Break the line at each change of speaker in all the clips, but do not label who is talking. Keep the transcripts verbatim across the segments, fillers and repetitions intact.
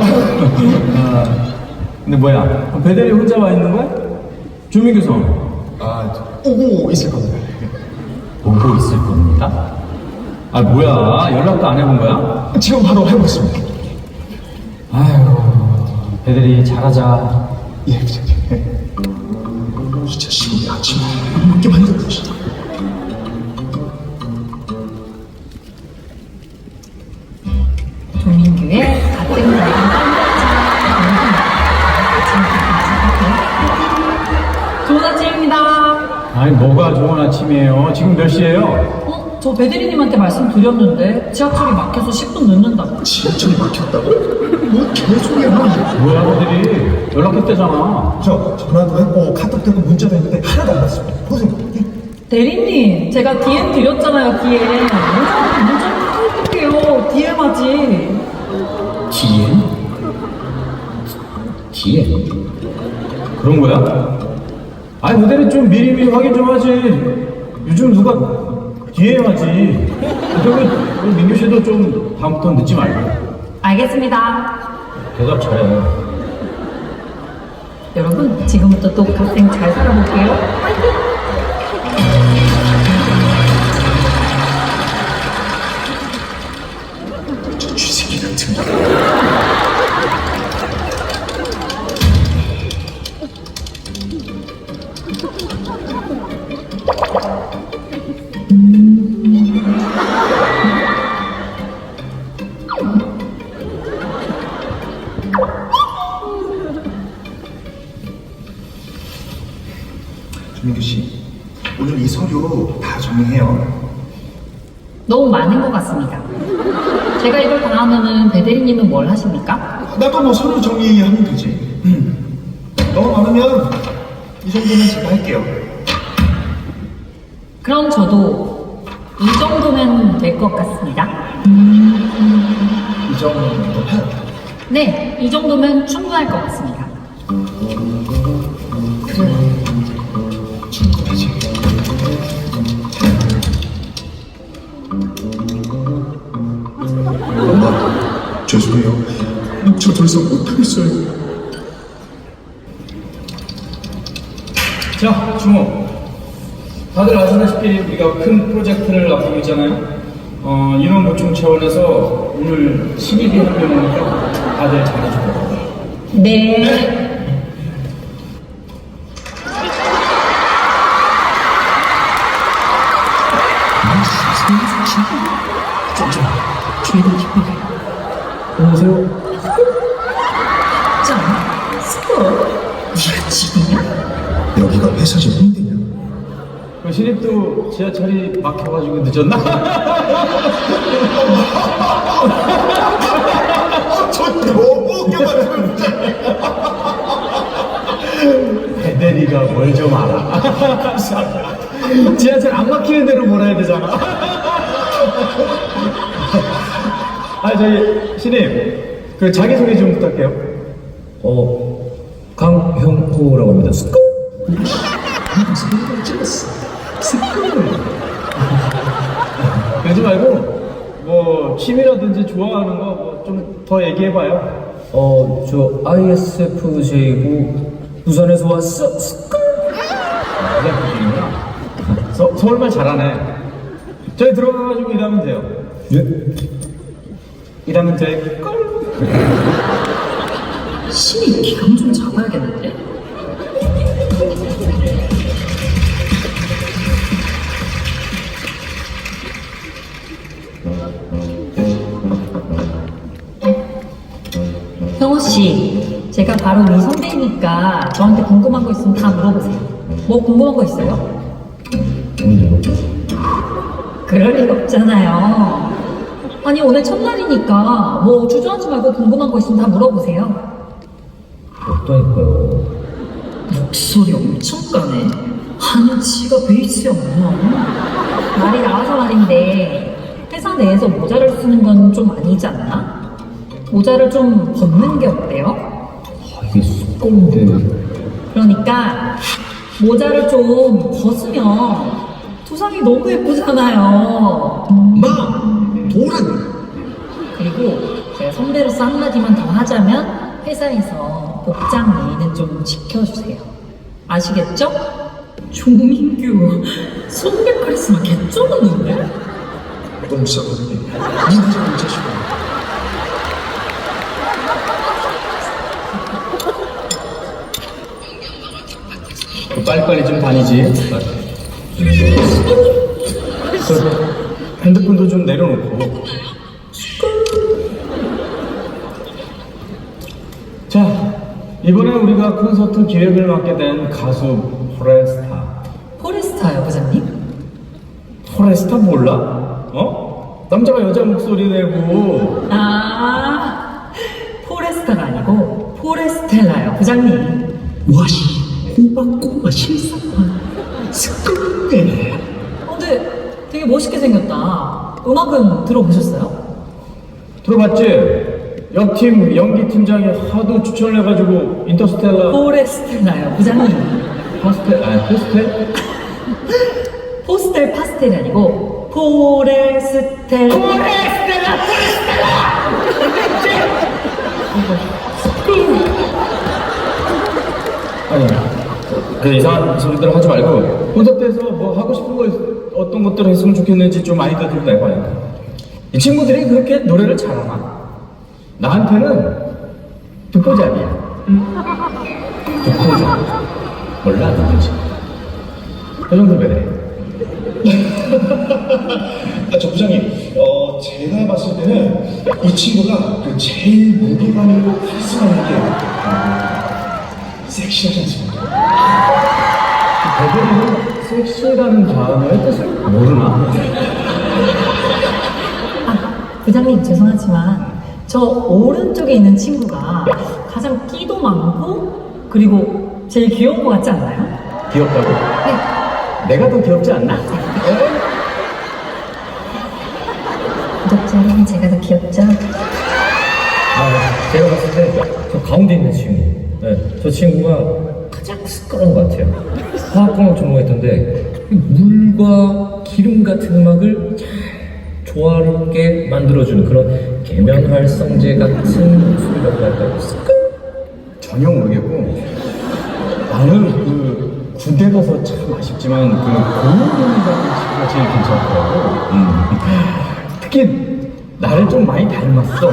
아, 근데 뭐야? 배대리 혼자 와 있는 거야? 조민규 성.
아, 오고 있을 겁니다.
오고 있을 겁니다? 아, 뭐야? 연락도 안 해본 거야?
지금 바로 해보겠습니다.
아유, 배대리 잘하자.
예, 부장님. 이 자식이 아침에 안 먹게 만들어 주시다.
조민규의 가뜩 나간 깜짝이야. 좋은 아침입니다.
아니, 뭐가 좋은 아침이에요? 지금 몇 시예요?
어? 저 배대리님한테 말씀드렸는데 지하철이 막혀서 십 분 늦는다고.
지하철이 막혔다고? 뭐 개소리야, 뭐.
뭐야, 배대리? 연락했대잖아.
저 전화도 했고 카톡도 했고 문자도 했는데 하나도 안 왔어요. 보세요.
대리님, 제가 디엠 드렸잖아요, 디엠. 문자, 문자를 어떡해요. 디엠 하지.
디엠? 디엠? 그런 거야? 아니, 배대리 좀 미리미리 확인 좀 하지. 요즘 누가 디엠 하지. 그리고 우리 민규 씨도 좀 다음부터 늦지 말고.
알겠습니다.
대답 잘해.
여러분, 지금부터 또 갓생 잘 살아볼게요. 화이팅!
저 쥐새끼 같은 거. 조민규 씨, 오늘 이 서류 다 정리해요.
너무 많은 것 같습니다. 제가 이걸 다 하면은 배대리님은 뭘 하십니까?
나도 뭐 서류 정리하면 되지. 음. 너무 많으면 이 정도는 제가 할게요.
그럼 저도 이 정도면 될 것 같습니다.
이 정도 해요.
네, 이 정도면 충분할 것 같습니다.
그래. 충분하지. 엄마, 죄송해요. 저 더 이상 못하겠어요.
자, 주모. 다들 아시다시피 우리가 큰 프로젝트를 앞두고 있잖아요. 어, 인원 보충 차원에서 오늘 신입이 한 명이니까 다들 잘해주고.
네.
안녕하세요.
짱, 스포. 네가 지리냐?
여기가 회사지 홍대냐?
그 신입도 지하철이 막혀가지고 늦었나?
저 너무 웃겨가지고 진짜.
배대리가 뭘 좀 알아. 지하철 안 막히는 대로 몰아야 되잖아. 아, 저희 신입, 그 자기소개 좀 부탁해요.
어, 강형호라고 합니다. 스쿠!
그러지 말고 뭐 취미라든지 좋아하는 거 뭐 좀 더 얘기해봐요.
어, 저 아이에스에프제이고 부산에서 왔어. 스쿠!
그냥 보시는구나. 서, 서울말 잘하네. 저희 들어가가지고 일하면 돼요.
예?
일하면 돼.
신이 기강 좀 잡아야겠는데? 형호 씨, 제가 바로 이 선배니까 저한테 궁금한 거 있으면 다 물어보세요. 뭐 궁금한 거 있어요? 그럴 리가 없잖아요. 아니 오늘 첫날이니까 뭐 주저하지 말고 궁금한 거 있으면 다 물어보세요.
없다니까요.
목소리 엄청 까네. 한지가 베이스야 뭐야. 말이 나와서 말인데 회사 내에서 모자를 쓰는 건 좀 아니지 않나? 모자를 좀 벗는 게 어때요?
아, 이게 쑥거운데.
그러니까 모자를 좀 벗으면 두상이 너무 예쁘잖아요.
마! 도란!
그리고 제가 선배로서 한마디만 더 하자면 회사에서 복장 예의는 좀 지켜주세요. 아시겠죠? 조민규 선배 카리스마 개쩌는데?
너무 싸거든요. 니나 좀 자식아.
빨리빨리 좀 다니지. 그 핸드폰도 좀 내려놓고. 자, 이번에 우리가 콘서트 기획을 맡게 된 가수 포레스타.
포레스타요, 부장님?
포레스타 몰라? 어? 남자가 여자 목소리 내고.
아, 포레스타가 아니고 포레스텔라요, 부장님.
와시 꼬박꼬박 실사판 스크게.
어, 근데 되게 멋있게 생겼다. 음악은 들어보셨어요?
들어봤지? 옆팀 연기 팀장이 하도 추천을 해가지고 인터스텔라.
포레스텔라요, 부장님.
파스텔, 아니 포스텔?
포스텔 파스텔이 아니고 포레스텔. 포레스텔라,
아니, 그 이상한 소리들 하지 말고 콘서트에서 뭐 하고 싶은 거 있- 어떤 것들을 했으면 좋겠는지 좀 아이디어 들고 내봐요. 이 친구들이 그렇게 노래를 잘하나? 나한테는 듣보잡이야. 듣보잡. 몰라 누군지. 그 정도 배래.
아, 저 부장님, 어, 제가 봤을 때는 이 친구가 그 제일 무게감 있고 카리스마 있는 게 어, 섹시하지 않습니까?
배들이는 섹시라는 단어의 뜻을 모르나?
아, 부장님 죄송하지만 저 오른쪽에 있는 친구가 가장 끼도 많고 그리고 제일 귀여운 것 같지 않나요?
귀엽다고?
네.
내가 더 귀엽지 않나?
구독자 여러분, 제가 더 귀엽죠?
아, 제가 봤을 때 저 가운데 있는 친구, 네, 저 친구가 가장 시끄러운 것 같아요. 화학공학 전공했던데 물과 기름 같은 음악을 잘 조화롭게 만들어주는 그런 계면활성제 같은 목소리라고 할까요?
전혀 모르겠고 나는 그 군대 가서 참 아쉽지만 그 고은이라는 친구가 제일 괜찮더라고. 음. 특히 나를 좀 많이 닮았어.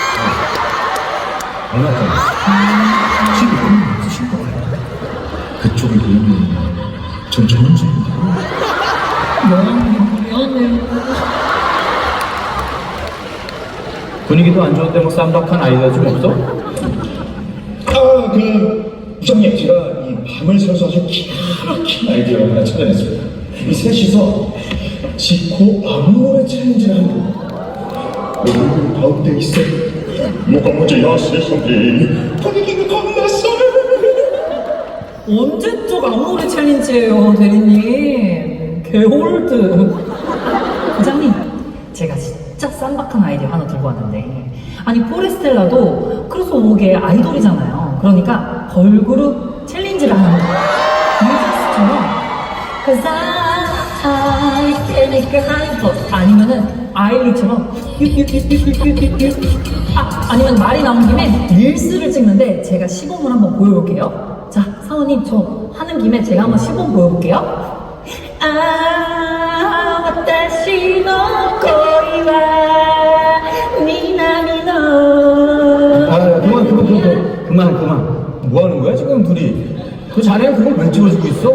얼마 전에
지금 너무 없으신 거 같아요. 그쪽에 보이면 전 전원주인데.
미안해요, 미안해요.
분위기도 안 좋은데 뭐 쌈박한 아이디어 좀 없어?
아, 그 부장님, 제가 이 밤을 새워서 아주 기가 막힌 아이디어를 하나 찾아냈습니다. 이 셋이서 지코 아무 노래 챌린지를 하는 거예요. 얼굴 가운데 있어. 뭐가 문제야, 세상에. 분위기가 겁났어.
언제적 아무리 챌린지예요, 대리님. 개홀드. 부장님, 제가 진짜 쌈박한 아이디어 하나 들고 왔는데, 아니 포레스텔라도 크로스오버계 아이돌이잖아요. 그러니까 걸그룹 챌린지를 하는 거예요. 뉴진스처럼 Cause I can make a high 아니면은 아일리처럼 유유유유유유유 아, 아니면 말이 나온 김에 릴스를 찍는데 제가 시범을 한번 보여볼게요. 자, 사원님 저 하는 김에 제가 한번 시범 보여볼게요. 아, 와타시 노 코이와 미나미노.
아, 야, 그만, 그만, 그만, 그만, 그만. 뭐 하는 거야, 지금 둘이? 그 자네가 그걸 왜 찍어주고 있어?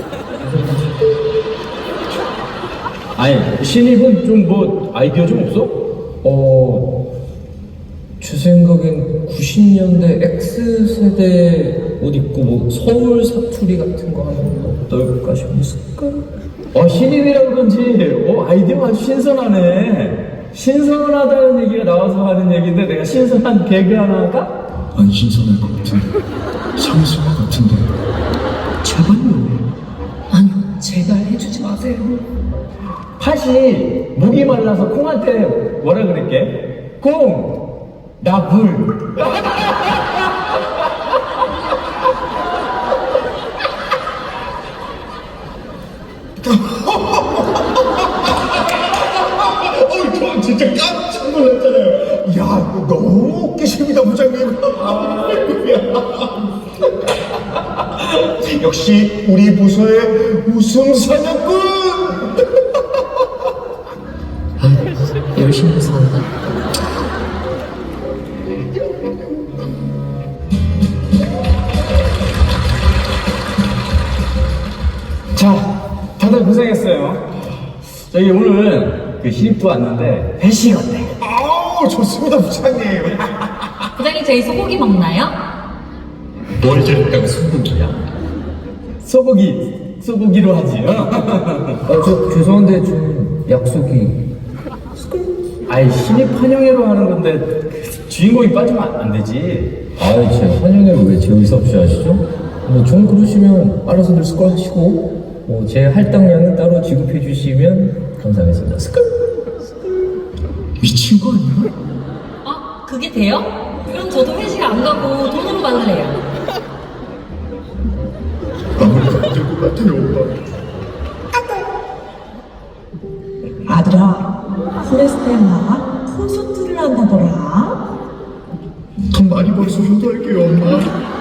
아니, 신입은 좀 뭐 아이디어 좀 없어?
어, 제 생각엔 구십 년대 X세대 옷 입고 뭐 서울 사투리 같은 거 하면 어떨까 싶었을까?
어, 신입이라 그런지, 어, 아이디어가 아주 신선하네. 신선하다는 얘기가 나와서 하는 얘기인데 내가 신선한 개그 하나 할까?
안 신선할 것 같은데. 상승 것 같은데. 제발요.
아니요, 제발 해주지 마세요.
팥이 목이 말라서 콩한테 뭐라 그랬게? 콩! 나 물!
어이, 저 진짜 깜짝 놀랐잖아요. 야, 이거 너무 역시 우리 부서의 웃음 사냥꾼.
열심히 산다.
자, 다들 고생했어요. 저희 오늘 그 신입도 왔는데 회식 어때?
아우 좋습니다 부장님.
부장님 저희 소고기 먹나요?
뭘 저랬다고 소고기야? 소고기, 소고기로 하지요?
아, 저 죄송한데 좀 약속이.
아이, 신입 환영회로 하는 건데 그 주인공이 빠지면 안, 안 되지.
아이, 제 환영회를 왜 제 의사 없이 하시죠? 뭐 좀 그러시면 알아서들 스컬 하시고, 뭐 제 할당량은 따로 지급해 주시면 감사하겠습니다. 스컬.
미친 거 아니야?
아 그게 돼요? 그럼 저도 회식 안 가고 돈으로 받을래요.
아무래도 안 될 것 같아요 오빠.
아들아, 프레스텔라 콘서트를 한다더라.
돈 많이 벌어서 효도할게요 엄마.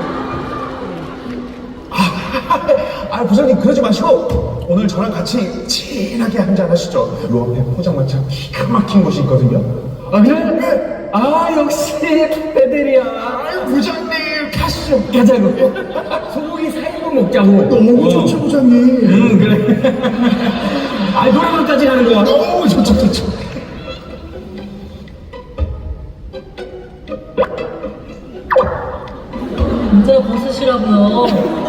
아, 아 부장님 그러지 마시고 오늘 저랑 같이 진하게 한잔 하시죠. 요 앞에 포장마차 기가 막힌 곳이 있거든요.
아, 그래? 아, 역시 배들이야.
아 부장님 가시죠.
가자고. 소고기 사 인분 먹자고.
너무
어.
좋죠 부장님.
응, 그래. 아, 노래방까지 가는 거야.
너무 좋죠 좋죠.
문제 벗으시라고요.